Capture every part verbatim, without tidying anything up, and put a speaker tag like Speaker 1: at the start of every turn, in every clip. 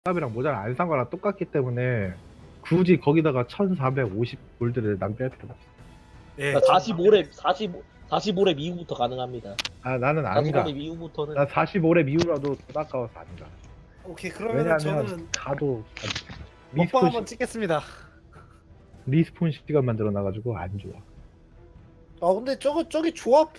Speaker 1: 값이랑 모자를 안 산 거랑 똑같기 때문에 굳이 거기다가 천사백오십 골드를 낭비할 필요가 없어.
Speaker 2: 예.
Speaker 3: 사십오 렙, 사십오, 사십오 렙 이후부터 가능합니다.
Speaker 1: 아 나는 안
Speaker 3: 사십오
Speaker 1: 가.
Speaker 3: 렙 이후부터는
Speaker 1: 나 사십오 렙 이후라도 돈 아까워서 안 가.
Speaker 2: 오케이, 그러면
Speaker 1: 왜냐면
Speaker 2: 저는
Speaker 1: 가도
Speaker 2: 먹방
Speaker 1: 리스폰,
Speaker 2: 한번
Speaker 1: 시,
Speaker 2: 찍겠습니다.
Speaker 1: 리스폰 시간만 늘어나가지고 안 좋아.
Speaker 2: 아 근데 저거 저기 조합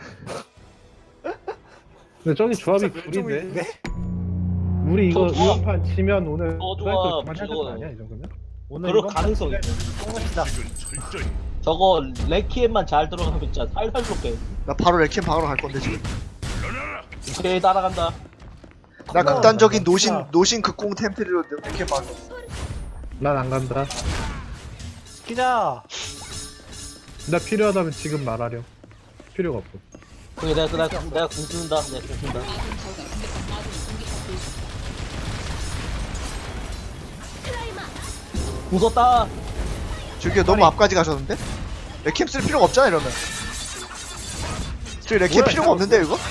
Speaker 1: 근데 저기 조합이
Speaker 2: 진짜
Speaker 1: 구린데?
Speaker 2: 멸종인데?
Speaker 1: 우리 이거
Speaker 3: 저 조합-
Speaker 1: 이번 판 지면 오늘
Speaker 3: 저
Speaker 1: 사이클
Speaker 3: 조합
Speaker 1: 그만해야 될거
Speaker 3: 이거-
Speaker 1: 아니야 이 정도면?
Speaker 2: 오늘
Speaker 3: 그럴
Speaker 2: 이번
Speaker 3: 가능성이
Speaker 2: 판에 똥합시다.
Speaker 3: 저거 레키엠만 잘 들어가면 진짜 살살 쏟게.
Speaker 4: 나 바로 레키엠 방으로 갈 건데 지금.
Speaker 3: 오케이, 따라간다.
Speaker 4: 나
Speaker 2: 그거
Speaker 4: 극단적인
Speaker 2: 나
Speaker 4: 노신
Speaker 2: 진짜-
Speaker 4: 노신 극공 템플리로 레키엠 방으로.
Speaker 1: 난 안 간다.
Speaker 2: 기자.
Speaker 1: 나 필요하다면 지금 말하렴. 필요가 없어.
Speaker 3: 오케이, 내가 내가 내가 궁 쓰는다. 내가 궁 쓴다. 웃었다.
Speaker 4: 저기 너무 앞까지 가셨는데? 레키엠 쓸 필요가 없잖아 이러면. 저기 레키엠 필요가 없는데 이거?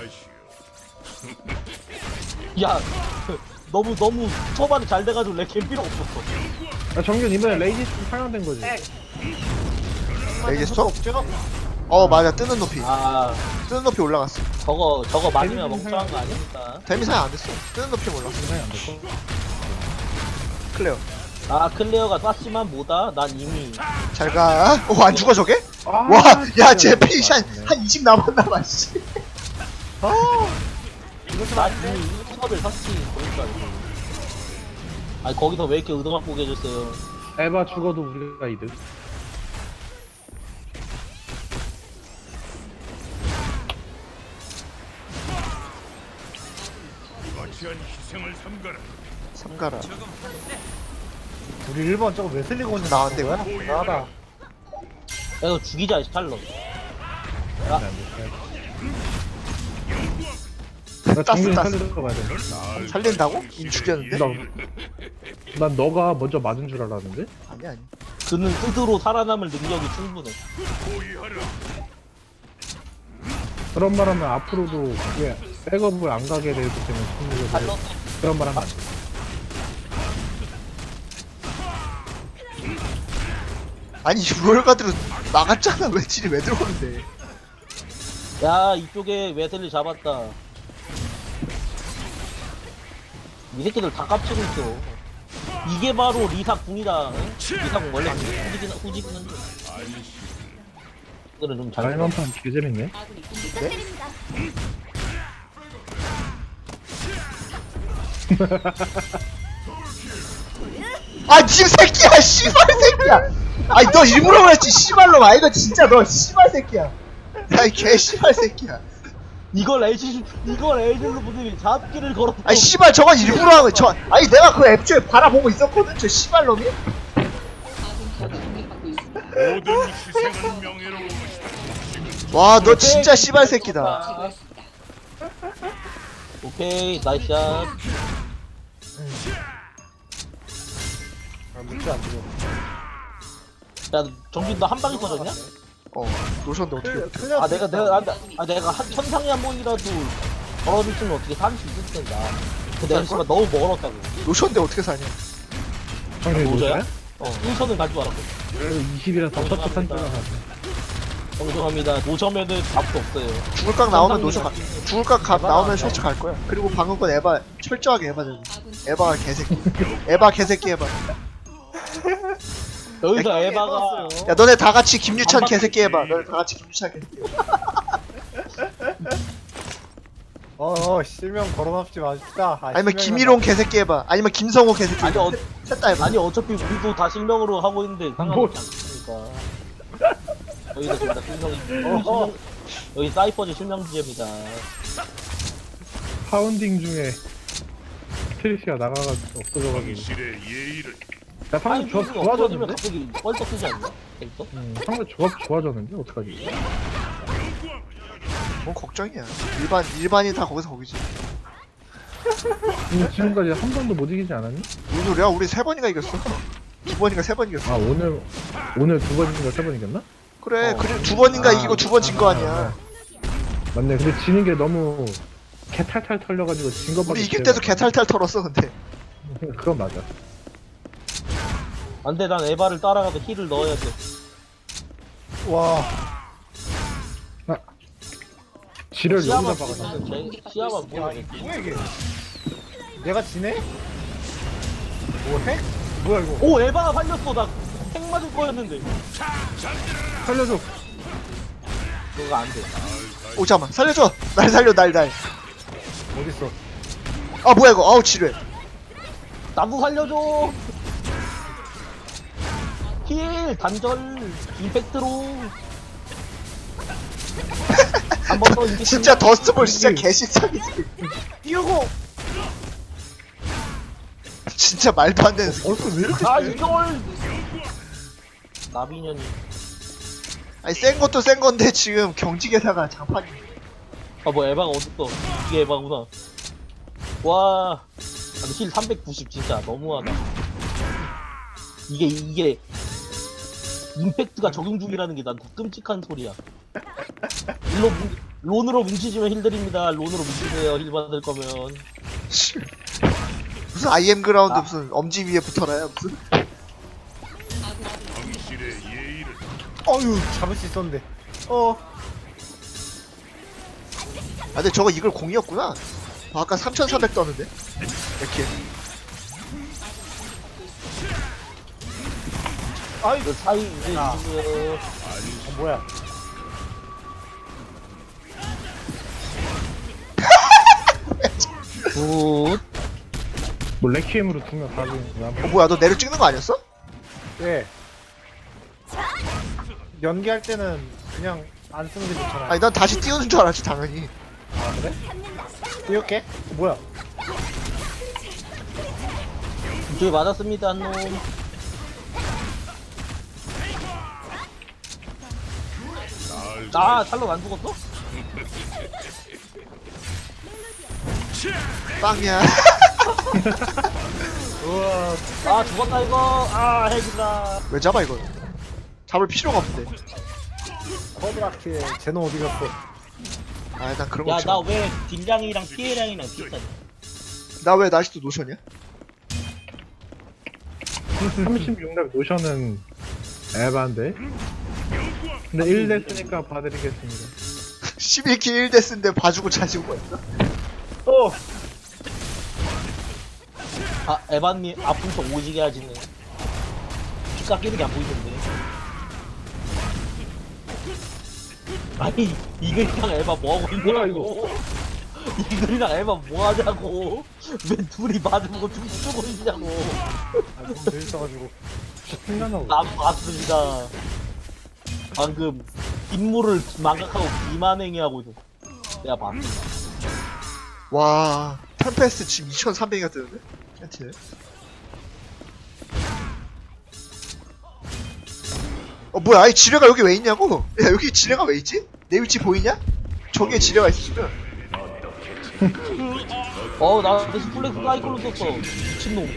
Speaker 3: 야, 너무 너무 초반에 잘 돼가지고 레키엠 필요 없었어.
Speaker 1: 아, 정균 이번에 레이지 좀 상향된 거지.
Speaker 4: 레이지 스톱?
Speaker 2: 없죠?
Speaker 4: 어 맞아 뜨는 높이.
Speaker 3: 아,
Speaker 4: 뜨는 높이 올라갔어.
Speaker 3: 저거 저거 맞으면
Speaker 1: 데미지
Speaker 3: 멍청한 거 아니니까.
Speaker 4: 데미 사용 안 됐어. 뜨는 높이 올랐어.
Speaker 1: 상향 안 됐고.
Speaker 4: 클레어.
Speaker 3: 아, 클레어가 쐈지만 뭐다? 난 이미
Speaker 4: 잘 가. 어 안 죽어 저게?
Speaker 1: 아,
Speaker 4: 와, 야, 제
Speaker 1: 진짜
Speaker 4: 피시 한,
Speaker 1: 맞네.
Speaker 4: 한 이십 남았나 봐, 씨. 아,
Speaker 3: 난 이미 수업을 샀지. 그러니까. 아니 거기서 왜 이렇게 의도 갖고 계셨어요?
Speaker 1: 에바 죽어도 우리가 이득.
Speaker 5: 거치한 희생을 삼가라.
Speaker 4: 삼가라.
Speaker 2: 우리 일 번 저거 웨슬리 곤즈
Speaker 4: 나왔는데,
Speaker 2: 거야? 나다.
Speaker 3: 야, 이거 죽이자, 샬럿.
Speaker 1: 나
Speaker 4: 땄어,
Speaker 1: 정균이
Speaker 4: 땄어.
Speaker 1: 살리러 가야 돼.
Speaker 4: 살린다고? 이미 죽였는데?
Speaker 1: 나, 난 너가 먼저 맞은 줄 알았는데?
Speaker 4: 아니, 아니.
Speaker 3: 그는 스스로 살아남을 능력이 충분해.
Speaker 5: 호위하라.
Speaker 1: 그런 말 하면 앞으로도 왜 백업을 안 가게 되기 때문에 승리를
Speaker 3: 샬럿.
Speaker 1: 그런 말 하면 안 돼.
Speaker 4: 아니, 롤가드로 나갔잖아. 왜 딜이 왜 들어오는데?
Speaker 3: 야, 이쪽에 웨슬리 잡았다. 이 새끼들 다 깝치고 있어. 이게 바로 리사 궁이다. 응? 리사 궁 원래 후지긴 후지긴 한데. 이거는 좀 잘.
Speaker 1: 말만판 개재밌네.
Speaker 4: 아, 님 새끼야! 씨발 새끼야! 아니, 너 일부러 그랬지, 씨발로. 아, 이거 진짜 너 씨발 새끼야. 야, 이 개 씨발 새끼야.
Speaker 3: 이걸 엘시 이걸 엘실로 분들이 잡기를 걸었어.
Speaker 4: 아니, 씨발, 저건 일부러 하는 거. 저, 아니, 내가 그 앱초에 바라보고 있었거든, 저 씨발놈이?
Speaker 5: 모든 희생은 명예로운 것이다.
Speaker 4: 와, 너 진짜 씨발 새끼다.
Speaker 3: 오케이, 나이스 샷.
Speaker 2: 아, 문제 안 들어.
Speaker 3: 야, 정빈 너 한 방에 터졌냐?
Speaker 4: 어, 노셨는데 어떻게.
Speaker 2: 틀려, 틀려.
Speaker 3: 아 내가 내가 아, 나- 아 내가 한 천상에 한 번이라도 걸어줬으면 어떻게 살 수 있을 텐데. 근데 내가 씨발 너무 멀었다고.
Speaker 4: 노셨는데 어떻게 사냐?
Speaker 1: 정균이
Speaker 3: 노자야?
Speaker 1: 노자야?
Speaker 3: 어, 인천은 갈 줄 알았거든.
Speaker 1: 그래도 이십이라서 첫 줄 알았네.
Speaker 3: 정정합니다. 노점에는 답도 없어요.
Speaker 4: 죽을 각 나오면 노셔 가. 죽을 각 가, 나오면 셔츠 갈 거야. 그리고 방금 건 에바 철저하게 에바 되고. 에바가 개새끼. 에바 개새끼 에바.
Speaker 3: 여기서
Speaker 2: 에바가
Speaker 3: 에바가
Speaker 2: 에바였어요.
Speaker 4: 야 너네 다 같이 김유찬 개새끼 에바. 너네 다 같이 김유찬 개새끼.
Speaker 2: 어, 어, 실명 거론하지 맙시다. 아,
Speaker 4: 아니면
Speaker 2: 실명이란
Speaker 4: 김일홍 개새끼 에바. 아니면 김성호 개새끼.
Speaker 3: 아니, 어-
Speaker 4: 셋다 에바.
Speaker 3: 아니 어차피 우리도 다 실명으로 하고 있는데
Speaker 1: 뭐.
Speaker 3: 상관없지 않습니까? 여기서 둘다 실명이
Speaker 2: 어허.
Speaker 3: 실명, 여기 사이퍼즈 실명 지점이다.
Speaker 1: 파운딩 중에 트리시가 나가가지고 없어져가지고.
Speaker 5: 당신의 예의를
Speaker 1: 야 상대 조합
Speaker 3: 없어지면
Speaker 1: 좋아졌는데?
Speaker 3: 갑자기 뻘떡 쓰지 않나? 여기서?
Speaker 1: 음, 상대 조합 좋아졌는데? 어떡하지?
Speaker 4: 뭔 걱정이야. 일반 일반이 다 거기서 거기지.
Speaker 1: 음, 지금까지 한 번도 못 이기지 않았니?
Speaker 4: 무슨 소리야? 우리 세 번이나 이겼어. 두 번인가 세 번 이겼어.
Speaker 1: 아 오늘 오늘 두 번인가 세 번 이겼나?
Speaker 4: 그래.
Speaker 3: 어.
Speaker 4: 그래 두 번인가
Speaker 1: 아,
Speaker 4: 이기고 두 번 진 거 아니야.
Speaker 1: 맞네. 근데 지는 게 너무 개탈탈 털려가지고 진 것밖에.
Speaker 4: 우리 이길 때도 개탈탈 털었어 근데.
Speaker 1: 그건 맞아.
Speaker 3: 안돼, 난 에바를 따라가서 힐을 넣어야 돼.
Speaker 2: 와.
Speaker 1: 지를
Speaker 3: 시야만
Speaker 1: 여기다 박아.
Speaker 3: 보면 돼. 시야만
Speaker 2: 야,
Speaker 3: 보면
Speaker 2: 이
Speaker 3: 돼.
Speaker 2: 뭐야 이게? 내가 지네? 뭐해? 뭐야 이거?
Speaker 3: 오, 에바가 살렸어. 나 핵 맞을 거였는데.
Speaker 1: 살려줘.
Speaker 3: 그거 안 돼.
Speaker 4: 오 잠깐만 살려줘. 날 살려 날 날.
Speaker 2: 어딨어?
Speaker 4: 아 뭐야 이거. 아우 지뢰.
Speaker 3: 나도 살려줘. 힐 단절 임팩트로. 한 번 더 이게
Speaker 4: 진짜 더스트볼 진짜 개신상이지.
Speaker 2: 띄우고!
Speaker 4: 진짜 말도 안 되는.
Speaker 2: 벌써 왜 이렇게
Speaker 3: 아
Speaker 2: 세?
Speaker 3: 이걸 나비년이.
Speaker 4: 아니 센 것도 센 건데 지금 경직에다가 장판이.
Speaker 3: 아 뭐 에바가 어딨어. 이게 에바구나. 와 아니 힐 삼백구십 진짜 너무하다. 이게 이게 임팩트가 적용 중이라는 게 난 더 끔찍한 소리야. 일로 뭉- 론으로 뭉치지면 힐 드립니다. 론으로 뭉치세요. 힐 받을 거면.
Speaker 4: 무슨 아이엠 그라운드
Speaker 3: 아.
Speaker 4: 무슨 엄지 위에 붙어라요 무슨.
Speaker 5: 당신의 예의를
Speaker 2: 어휴 잡을 수 있었는데. 어.
Speaker 4: 아 근데 저거 이걸 공이었구나. 아, 아까 삼천사백 떴는데. 이렇게.
Speaker 2: 아이
Speaker 3: 그 사이 이제
Speaker 2: 아.
Speaker 3: 지금
Speaker 2: 어, 뭐야?
Speaker 3: 굿.
Speaker 1: 뭐 레퀴엠으로 두 명 다 죽는구나.
Speaker 4: 어 뭐야 너 내려 찍는 거 아니었어?
Speaker 2: 예. 연기할 때는 그냥 안 쓰는 게 좋잖아.
Speaker 4: 아니 난 다시 띄우는 줄 알았지 당연히.
Speaker 2: 아 그래? 이렇게? 뭐야?
Speaker 3: 이쪽에 맞았습니다 한 놈. 아 찰로 안 죽었어?
Speaker 4: 빵이야.
Speaker 2: 우와.
Speaker 3: 아 죽었다 이거. 아 핵이다.
Speaker 4: 왜 잡아 이걸? 잡을 필요가 없는데.
Speaker 2: 쿼드라킬 제노 어디 갔어?
Speaker 4: 아 난 그런 거
Speaker 3: 야
Speaker 4: 없잖아.
Speaker 3: 나 왜 딜량이랑 피해량이랑 비슷하냐?
Speaker 4: 나 왜 아직도 노션이야?
Speaker 1: 삼십육 렙 노션은 에반데. 근데 일 됐으니까 봐드리겠습니다.
Speaker 4: 십일 킬 일 데스인데 봐주고 자시고 거였어?
Speaker 2: 어.
Speaker 3: 아 에반님 아픈 척 오지게 하시네. 피 깎이는 게 안 보이던데. 아니 이글이랑 에바 뭐하고 있냐 이거. 이글이랑 에바 뭐하냐고. 왜 둘이 맞으고 춤추고 있냐고.
Speaker 2: 아, 너무 재밌어가지고.
Speaker 1: 신나나.
Speaker 3: 난 봤습니다. 방금 임무를 망각하고 비만행위 하고 있어. 내가 봤어.
Speaker 4: 와 템페스트 지금 이천삼백이가 뜨는데? 캔티네. 어 뭐야 아니 지뢰가 여기 왜 있냐고? 야 여기 지뢰가 왜 있지? 내 위치 보이냐? 저기에 지뢰가 있어 지금.
Speaker 3: 어, 나 대신 플렉스 사이클로 썼어. 미친놈.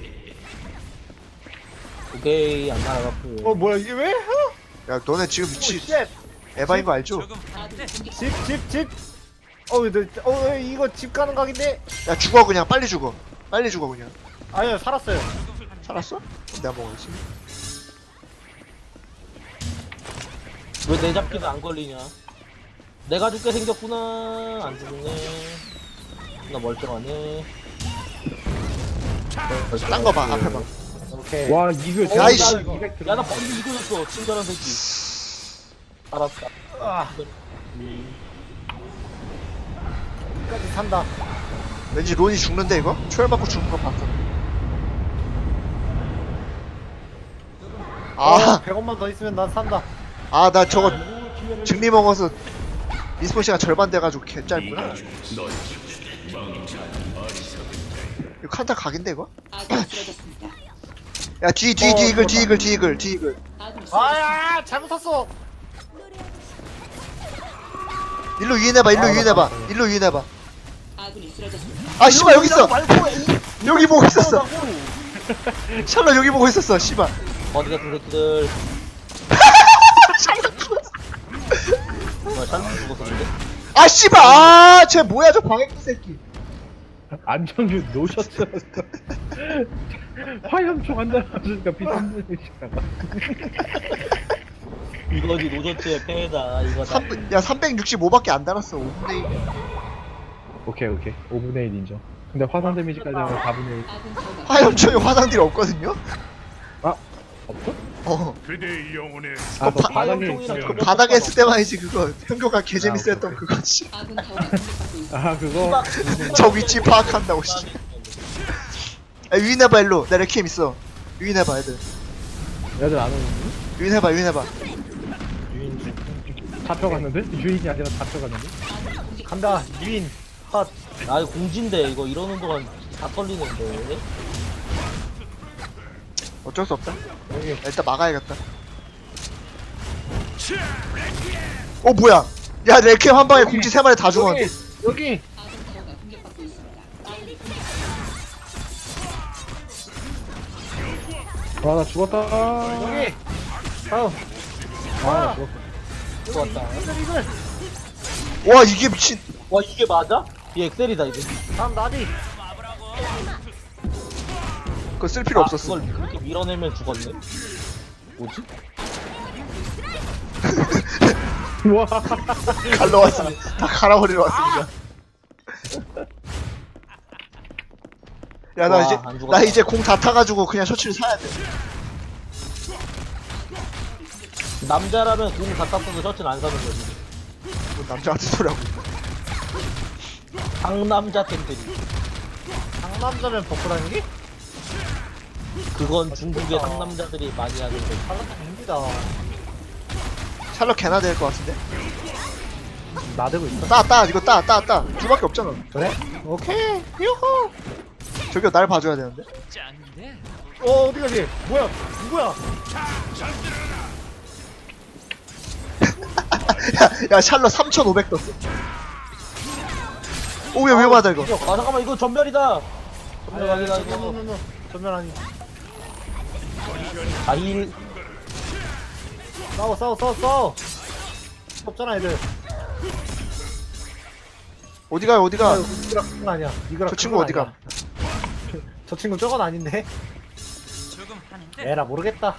Speaker 3: 오케이, 안 날아갔고.
Speaker 2: 어 뭐야 이게 왜? 어?
Speaker 4: 야 너네 지금
Speaker 2: 오
Speaker 4: 위치
Speaker 2: 쉣.
Speaker 4: 에바인 거 알죠?
Speaker 2: 집, 집, 집. 어, 너, 어, 이거 집 가는 각인데?
Speaker 4: 야 죽어 그냥 빨리 죽어. 빨리 죽어 그냥.
Speaker 2: 아니요, 살았어요.
Speaker 4: 살았어? 내가 먹었지.
Speaker 3: 왜 내 잡기는 안 걸리냐? 내가 죽게 생겼구나. 안 죽네. 나 멀쩡하네.
Speaker 4: 딴 거 봐 앞에 봐.
Speaker 2: 오케이.
Speaker 1: 와 이거
Speaker 3: 어,
Speaker 4: 아이씨.
Speaker 3: 나 이거- 야, 나 빨리 이거였어. 친절한 새끼. 알았다.
Speaker 2: 아,
Speaker 3: 음.
Speaker 2: 끝까지 산다.
Speaker 4: 왠지 론이 죽는데 이거? 초열 받고 죽는 거 봤어. 아,
Speaker 2: 백 원만 더 있으면 난 산다.
Speaker 4: 아 나 저거 증리 먹어서 리스폰 시간 절반 돼가지고 개 짧구나. 이거 칸타 각인데 이거? 야 뒤 뒤 뒤 이글 뒤 이글 뒤 이글 뒤 이글.
Speaker 2: 아야, 잘못 샀어.
Speaker 4: 일로 유인해봐 일로
Speaker 2: 아,
Speaker 4: 유인해봐
Speaker 2: 맞다.
Speaker 4: 일로 유인해봐. 아 씨발 여기 있어.
Speaker 3: 말고
Speaker 4: 여기 보고 있었어.
Speaker 3: 이러라고.
Speaker 4: 샬롯 여기 보고 있었어 씨발.
Speaker 3: 어디 같은 새끼들. 뭐야, 샬롯 죽었었는데?
Speaker 4: 아 씨발 아쟤 뭐야 저 방해꾼 새끼.
Speaker 1: 안정규 노셨어. 화염총 한 대 맞으니까 비싼 데씩 나가.
Speaker 3: 이거지 노저츠의 패다 이거다.
Speaker 4: 삼, 야 삼백육십오밖에 안 달았어. 오분의 일.
Speaker 1: 오케이 오케이 오분의 일 인정. 근데 화산 데미지까지 하면 사분의 일.
Speaker 4: 화염총에 화상들이 없거든요?
Speaker 1: 아 없어?
Speaker 4: 어.
Speaker 5: 그대의 영혼에
Speaker 1: 아, 너
Speaker 4: 바-
Speaker 1: 바닥에
Speaker 3: 화염총이랑
Speaker 1: 있어.
Speaker 4: 그 바닥에 했을 때만이지 그거. 현교가 개재밌어
Speaker 1: 아,
Speaker 4: 했던
Speaker 1: 오케이.
Speaker 4: 그거지.
Speaker 6: 아군 타워가 공격받고 있습니다.
Speaker 1: 아 그거
Speaker 4: 저 위치 파악한다고 씨. 야, 유인해봐 일로. 나 레키엠 있어. 유인해봐 애들.
Speaker 1: 애들 안 오는데?
Speaker 4: 유인해봐 유인해봐.
Speaker 2: 유인
Speaker 1: 잡혀갔는데? 유인이 아니라 잡혀갔는데?
Speaker 2: 간다. 유인 핫.
Speaker 3: 아 이거 공진데 이거 이러는 동안 다 떨리는데.
Speaker 4: 어쩔 수 없다.
Speaker 2: 여기
Speaker 4: 일단 막아야겠다. 어 뭐야? 야 레키엠 한 방에 공지 세 마리 다 죽었는데.
Speaker 2: 여기 여기.
Speaker 6: 아군 타워가 공격받고 있습니다.
Speaker 1: 아나 죽었다.
Speaker 2: 여기. 다음.
Speaker 1: 아나 죽었어.
Speaker 3: 좋았다.
Speaker 2: 이글 이글.
Speaker 4: 와 이게 미친.
Speaker 3: 와 이게 맞아? 이 엑셀이다 이제.
Speaker 2: 다음 나디.
Speaker 4: 그거 쓸 필요
Speaker 3: 아,
Speaker 4: 없었어.
Speaker 3: 그걸 그렇게 밀어내면 죽었네. 뭐지?
Speaker 1: 와.
Speaker 4: 갈러 왔습니다. 다 갈아버리러 왔습니다. 야 나
Speaker 3: 와,
Speaker 4: 이제
Speaker 3: 안 죽었다.
Speaker 4: 나 이제 공 다 타가지고 그냥 셔츠를 사야 돼.
Speaker 3: 남자라면 공 다 땄어도 셔츠는 안 사는 거지.
Speaker 4: 뭐 남자한테 소리하고.
Speaker 3: 상남자 템들이.
Speaker 2: 상남자면 버프라는 게?
Speaker 3: 그건 중국의 상남자들이 많이 하는 거.
Speaker 2: 상남자입니다.
Speaker 4: 샬럿 개나 될 것 같은데.
Speaker 2: 나대고 있어.
Speaker 4: 따 따 이거 따 따 따. 둘밖에 없잖아.
Speaker 2: 그래? 오케이. 유후.
Speaker 4: 저기요 날 봐줘야 되는데.
Speaker 2: 어 어디 가지? 뭐야? 누구야?
Speaker 4: 야, 야 샬럿 삼천오백 떴어. 오야 위험하다 이거.
Speaker 3: 아 잠깐만 이거 전멸이다. 전멸 아니다 이거.
Speaker 2: 노노노노. 전면 아니.
Speaker 3: 아힐
Speaker 2: 싸워 싸워 싸워 싸워. 없잖아 애들.
Speaker 4: 어디 가요 어디 가?
Speaker 2: 이거랑 그건 아니야. 이거랑
Speaker 4: 저 친구
Speaker 2: 그건
Speaker 4: 어디 가?
Speaker 2: 아니야. 저 친구 저건 아닌데. 에라 모르겠다.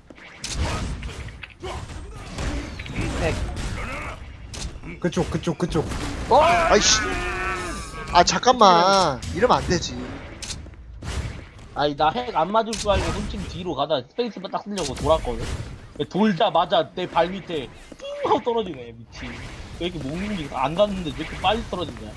Speaker 2: 엑. 그쪽 그쪽 그쪽.
Speaker 4: 아이씨. 아 잠깐만 이러면 안 되지.
Speaker 3: 아니 나 핵 안 맞을 줄 알고 훔친 뒤로 가다 스페이스바 딱 쓰려고 돌았거든. 돌자마자 내 발 밑에 띵 하고 떨어지네 미친. 왜 이렇게 못 움직여? 안 갔는데 왜 이렇게 빨리 떨어지냐?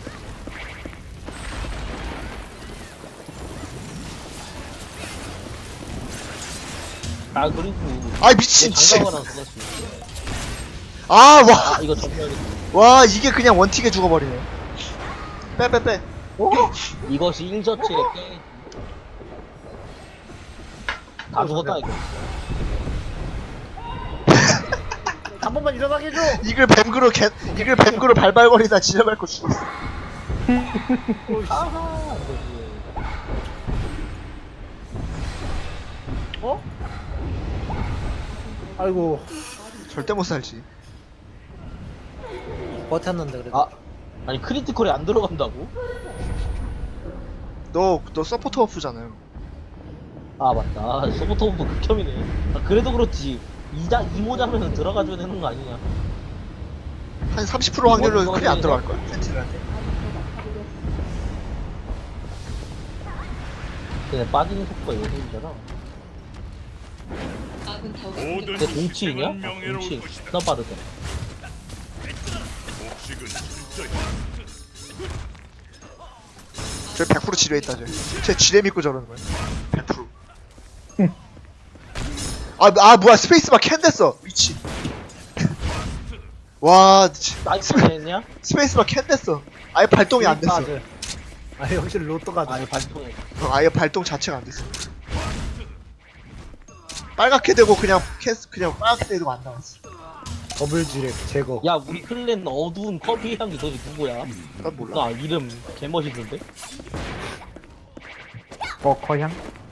Speaker 3: 아 그리고
Speaker 4: 아이 미친 씨.
Speaker 3: 장갑을 하나 썼지.
Speaker 4: 아
Speaker 3: 아
Speaker 4: 와.
Speaker 3: 이거 정말
Speaker 4: 와 이게 그냥 원틱에 죽어버리네. 빼 빼 빼.
Speaker 3: 이것이 일저치의 게임. 다 죽었다 이거.
Speaker 2: 한 번만 일어나게 해줘.
Speaker 4: 이글 뱀그로 개 이글 뱀그로 발발거리다 지려밟고 죽었어.
Speaker 3: 아하 이거지.
Speaker 2: 어? 아이고
Speaker 4: 절대 못 살지.
Speaker 2: 버텼는데 그래도.
Speaker 3: 아 아니 크리티컬이 안 들어간다고?
Speaker 4: 너 너 서포터 버프잖아요.
Speaker 3: 아 맞다 소보토브 극혐이네. 아, 그래도 그렇지 이자 이모자면은 들어가줘야 되는 거 아니냐?
Speaker 4: 한 삼십 퍼센트 확률로
Speaker 3: 이번
Speaker 4: 크리 안
Speaker 3: 이번에는-
Speaker 4: 들어갈 거야. 센티들한테.
Speaker 3: 근데 빠지는 속도가 요즘이잖아.
Speaker 6: 아군 타워가
Speaker 5: 모든
Speaker 6: 공격받고
Speaker 3: 근데 동치이냐?
Speaker 5: 희생은
Speaker 3: 아,
Speaker 5: 명예로울
Speaker 3: 동치
Speaker 5: 것이다.
Speaker 3: 존나 빠르다.
Speaker 5: 복식은 철저히
Speaker 4: 저 백 퍼센트 지뢰 있다 쟤. 쟤 지뢰 믿고 저러는 거야. 백 퍼센트. 아, 아 뭐야 스페이스바 캔 됐어. 미친. 와 치-
Speaker 3: 나이스
Speaker 4: 스페,
Speaker 3: 했냐?
Speaker 4: 스페이스바 캔 됐어. 아예 발동이 안 됐어.
Speaker 2: 가드. 아 역시 로또 가드.
Speaker 3: 아니 발통해.
Speaker 4: 어, 아예 발동 자체가 안 됐어. 빨갛게 되고 그냥 캐스 그냥 빨갛게 되고 안 나왔어.
Speaker 2: 더블 지렉 제거.
Speaker 3: 야 우리 클랜 어두운 커피 향기 도대체 누구야?
Speaker 4: 난 몰라.
Speaker 3: 나 이름 개멋있는데?
Speaker 1: 어 거향?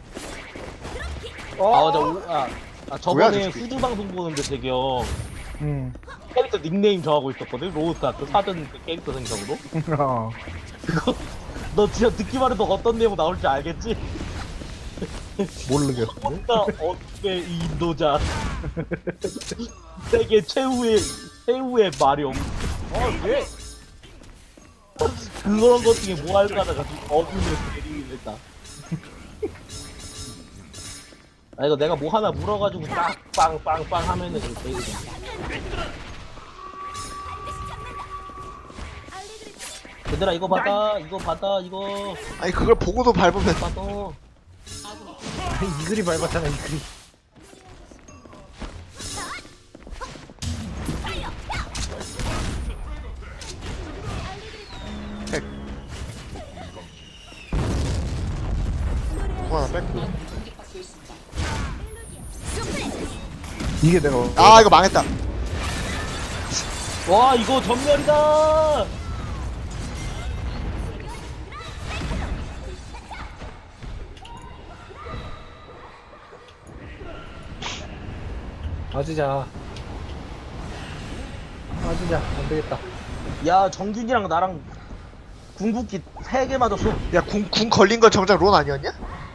Speaker 2: 어?
Speaker 3: 아 맞아 오, 아, 아
Speaker 4: 뭐야,
Speaker 3: 저번에
Speaker 4: 저 새끼.
Speaker 3: 후드 방송 보는데 대경
Speaker 1: 응.
Speaker 3: 캐릭터 닉네임 정하고 있었거든. 로우스타트 사전 그 캐릭터 생성으로.
Speaker 1: 어.
Speaker 3: 너 진짜 듣기만 해도 어떤 내용 나올지 알겠지?
Speaker 2: 모르겠는데?
Speaker 3: 혼자 어떻게 이 인도자 세계 최후의 최후의 마룡
Speaker 2: 어 왜?
Speaker 3: 그런 것 중에 뭐 할까 하다가 어둠을 데리긴 했다. 아 이거 내가 뭐 하나 물어가지고 빵빵빵빵 하면은 이거 되거든. 얘들아 이거 받아 이거 받아 이거
Speaker 4: 아니 그걸 보고도 밟으면
Speaker 3: 받아.
Speaker 2: 이글이 밟았잖아 이글이.
Speaker 4: 핵. 그거 하나 뺐고.
Speaker 6: 공격받고 있습니다.
Speaker 2: 이게 내가
Speaker 4: 아 이거 망했다.
Speaker 3: 와 이거 전멸이다.
Speaker 2: 맞으자. 맞으자. 안 되겠다.
Speaker 3: 야 정균이랑 나랑 궁극기 세 개 맞았어.
Speaker 4: 야궁 궁 걸린 건 정작 론 아니었냐?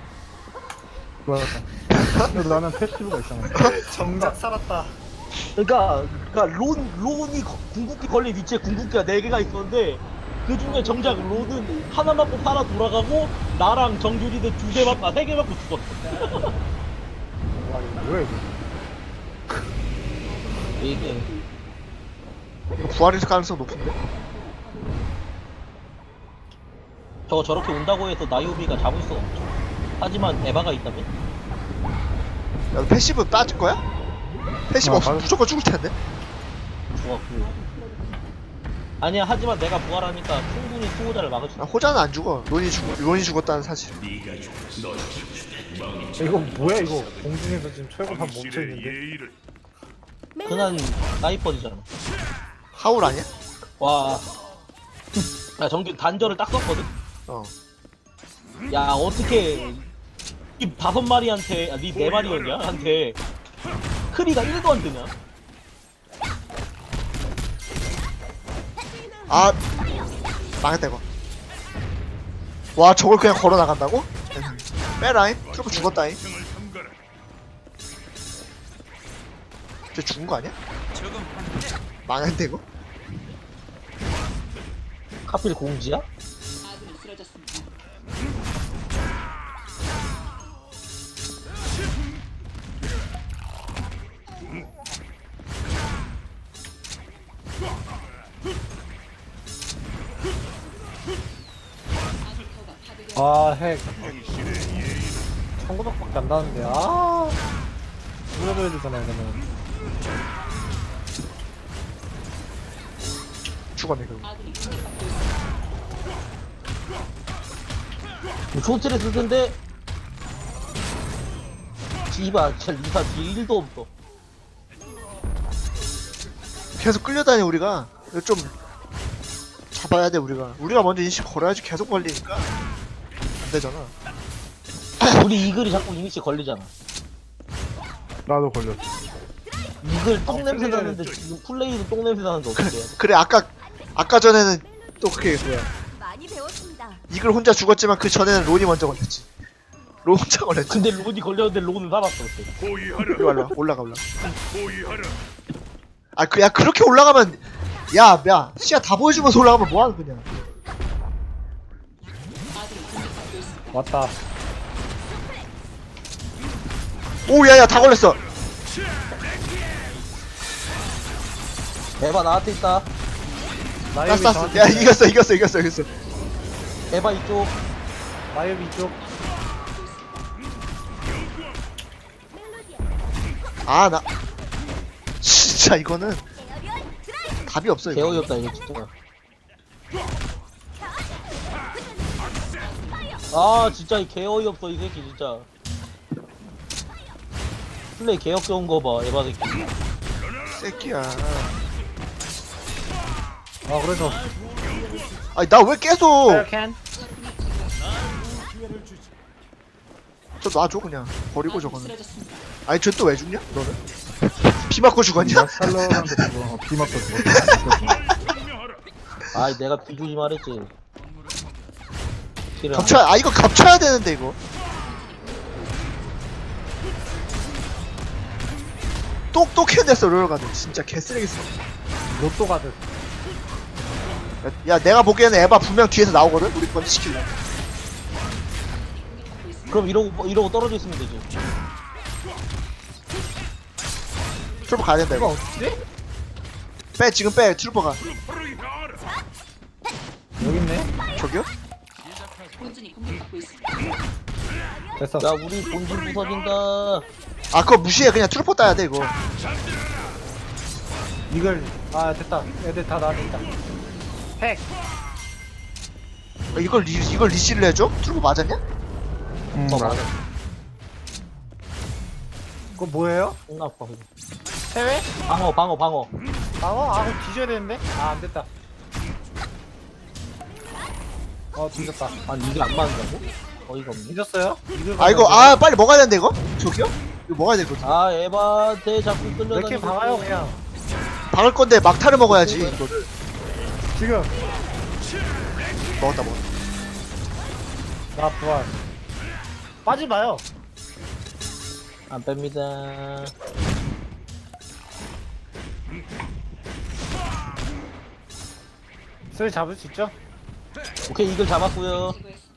Speaker 2: 좋았다. 그래도 나는 패시브가 있잖아. 정작 살았다.
Speaker 3: 그러니까 그러니까 론 론이 거- 궁극기 걸린 위치에 궁극기가 네 개가 있었는데 그 중에 정작 론은 하나 맞고 살아 돌아가고 나랑 정균이는 두 대 맞고 세 개 맞고 죽었어.
Speaker 2: 와 이거 뭐야 이거?
Speaker 3: 이게
Speaker 4: 이거 부활일 가능성 높은데?
Speaker 3: 저거 저렇게 온다고 해서 나이오비가 잡을 수 없죠. 하지만 에바가 있다면
Speaker 4: 야 너 패시브 빠질 거야? 패시브
Speaker 2: 아,
Speaker 4: 없으면
Speaker 2: 맞-
Speaker 4: 무조건 죽을 텐데?
Speaker 3: 좋았고. 아니야 하지만 내가 부활하니까 충분히 수호자를 막을 수
Speaker 4: 아,
Speaker 3: 있어.
Speaker 4: 호자는 안 죽어. 론이 죽 론이 죽었다는 사실.
Speaker 2: 이거 뭐야 이거? 공중에서 지금 철거판 멈춰
Speaker 5: 당신의
Speaker 2: 있는데.
Speaker 5: 예의를
Speaker 3: 그난 사이퍼즈잖아.
Speaker 4: 하울 아니야?
Speaker 3: 와. 야 정균 단절을 딱 썼거든.
Speaker 4: 어.
Speaker 3: 야 어떻게 이 다섯 마리한테 아니 네 마리였냐? 한테 크리가 일도 안 되냐?
Speaker 4: 아 망했다 이거. 와 저걸 그냥 걸어 나간다고? 빼라임. 트로프 죽었다임.
Speaker 5: 등을 삼가라.
Speaker 4: 쟤 죽은 거 아니야? 망했는데 이거?
Speaker 3: 하필 공지야?
Speaker 6: 아군이 쓰러졌습니다. 아군타워가 파괴되었습니다.
Speaker 2: 아 핵.
Speaker 5: 당신의 예의를
Speaker 2: 천구백밖에 안 나는데. 아. 물어줘야 되잖아 이거는.
Speaker 4: 죽었네 결국.
Speaker 6: 아군이 공격받고 있습니다.
Speaker 3: 쇼트를 쓸 텐데 씨발 진짜 리사 딜 일도 없어.
Speaker 4: 계속 끌려다니 우리가. 이거 좀 잡아야 돼 우리가. 우리가 먼저 인식 걸어야지. 계속 걸리니까 안 되잖아.
Speaker 3: 우리 이글이 자꾸 이니시 걸리잖아.
Speaker 1: 나도 걸렸어.
Speaker 3: 이글 똥냄새 나는데 지금 플레이도 똥냄새 나는데 어떻게 해야 돼?
Speaker 4: 그래 아까 아까 전에는 또 그게 뭐야.
Speaker 7: 많이 배웠습니다.
Speaker 4: 이글 혼자 죽었지만 그 전에는 론이 먼저 걸렸지. 론 혼자 걸렸지.
Speaker 3: 근데 론이 걸렸는데 론은 살았어 그때.
Speaker 5: 호위하라.
Speaker 4: 이리 올라 올라가 올라.
Speaker 5: 호위하라.
Speaker 4: 아, 그, 야, 그렇게 올라가면, 야, 야, 시야 다 보여주면서 올라가면 뭐하는 거냐.
Speaker 6: 아군이 공격받고 있습니다.
Speaker 2: 왔다.
Speaker 4: 오, 야, 야, 다 걸렸어.
Speaker 3: 에바 나한테 있다.
Speaker 2: 나이비
Speaker 4: 땄어, 땄어. 야, 이겼어, 이겼어, 이겼어, 이겼어.
Speaker 3: 에바 이쪽.
Speaker 2: 나이비 이쪽.
Speaker 4: 아, 나. 진짜 이거는 답이 없어, 이거.
Speaker 3: 개어이 없다 이거 진짜. 아 진짜 이 개어이 없어 이 새끼 진짜. 플레이 개역겨운 거 봐 에바 새끼.
Speaker 4: 새끼야.
Speaker 2: 아 그래서.
Speaker 4: 아니, 나 왜 계속.
Speaker 2: 캔.
Speaker 4: 저 놔줘, 그냥. 버리고
Speaker 6: 아군이
Speaker 4: 저거는.
Speaker 6: 쓰러졌습니다.
Speaker 4: 아니, 저 또 왜 죽냐, 너는? 비 맞고 죽었냐?
Speaker 1: 살러한테 죽어. 어, 비 맞고 죽어.
Speaker 5: 증명하라.
Speaker 3: 아이 내가 비조심 말했지. 싫어.
Speaker 4: 겹쳐 아 이거 겹쳐야 되는데 이거 똑똑 캔댔어 롤가드 진짜 개쓰레기어.
Speaker 2: 로또 가듯.
Speaker 4: 야, 야 내가 보기에는 에바 분명 뒤에서 나오거든 우리 번지 시킬래.
Speaker 3: 그럼 이러고 이러고 떨어져 있으면 되지.
Speaker 4: 트루퍼 가야 된다
Speaker 2: 이거
Speaker 4: 이거.
Speaker 2: 어떻게?
Speaker 4: 빼 지금 빼 트루퍼가.
Speaker 2: 여기 있네.
Speaker 4: 저기요?
Speaker 6: 본진이 공격받고 있습니다.
Speaker 2: 됐어.
Speaker 3: 야 우리 본진 부서진다.
Speaker 4: 아 그거 무시해 그냥 트루퍼 따야 돼 이거.
Speaker 2: 이걸 아 됐다. 애들 다 나한테 있다. 핵.
Speaker 4: 아, 이걸 리, 이걸 리시를 해줘? 트루퍼 맞았냐?
Speaker 1: 음,
Speaker 3: 어
Speaker 1: 맞아.
Speaker 3: 맞아.
Speaker 2: 그거 뭐예요?
Speaker 3: 존나 아파. 그거.
Speaker 2: 해외?
Speaker 3: 방어 방어 방어.
Speaker 2: 방어? 아, 그거 뒤져야 되는데? 아, 안 됐다. 어, 뒤졌다.
Speaker 3: 아니 이게 안 맞는다고? 어이가 없네.
Speaker 2: 뒤졌어요? 이걸
Speaker 4: 아 이거 아 빨리 먹어야 되는데 이거? 저기요? 이거 먹어야 되거든.
Speaker 3: 아 에바한테 자꾸
Speaker 2: 몇
Speaker 3: 끌려다니고.
Speaker 2: 개 박아요, 그냥.
Speaker 4: 박을 건데 막타를 먹어야지 이거를.
Speaker 2: 지금.
Speaker 4: 먹었다 먹었다.
Speaker 2: 나 부활. 빠지 마요.
Speaker 3: 안 뺍니다.
Speaker 2: 슬 잡을 수 있죠?
Speaker 3: 오케이 이걸 잡았고요.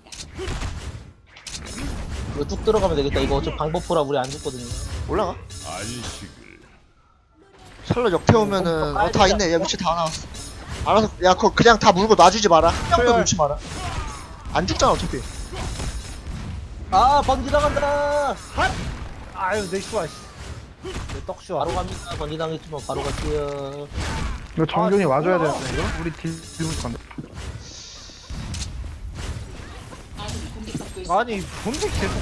Speaker 3: 이거 쭉 들어가면 되겠다. 이거 어차피 방법포라 우리 안 죽거든요.
Speaker 4: 올라가.
Speaker 5: 안식을
Speaker 4: 샬럿 역태 오면은 어 다 있네. 야 위치 다 나왔어. 알아서 야 그거 그냥 다 물고 놔주지 마라. 한 명도
Speaker 2: 그래.
Speaker 4: 놓지 마라. 안 죽잖아 어차피.
Speaker 3: 아 번지 나간다.
Speaker 2: 아유, 내 슈아, 씨. 내 떡슈아.
Speaker 3: 바로 갑니다. 번지 당했지만 바로 갈게요.
Speaker 1: 이거 정중히
Speaker 2: 아,
Speaker 1: 와줘야
Speaker 2: 뭐야.
Speaker 1: 되는데 이거? 우리 딜 딜부터 간다.
Speaker 6: 아군이 공격받고 있습니다.
Speaker 2: 아니, 뭔데 계속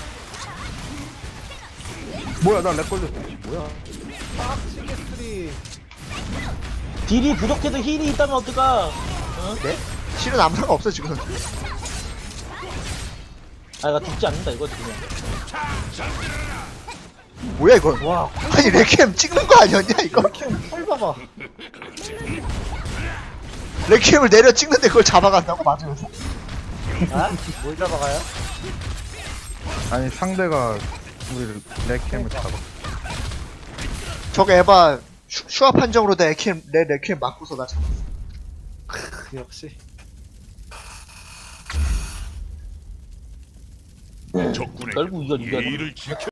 Speaker 1: 뭐야 나 렉 걸렸어. 뭐야?
Speaker 2: 빡치게 스리.
Speaker 3: 딜이 부족해도 힐이 있다면 어떡하?
Speaker 4: 네? 실은 아무 상관 없어 지금.
Speaker 3: 아 이거 죽지 않는다 이거지 그냥.
Speaker 4: 뭐야 이거?
Speaker 2: 와,
Speaker 4: 아니 레퀴엠 찍는 거 아니었냐 이거?
Speaker 2: 헐 봐봐.
Speaker 4: 레퀴엠을 내려 찍는데 그걸 잡아간다고 맞으면서?
Speaker 2: 아? 뭘 잡아가요?
Speaker 1: 아니 상대가 우리 렉캠을 잡아.
Speaker 4: 저거 에바 슈, 슈아 판정으로 내 레퀴엠 내 레퀴엠 맞고서 나 잡았어.
Speaker 2: 그 역시.
Speaker 5: 적군의
Speaker 3: 결국 이걸 이겨야 돼.
Speaker 5: 예의를 지켜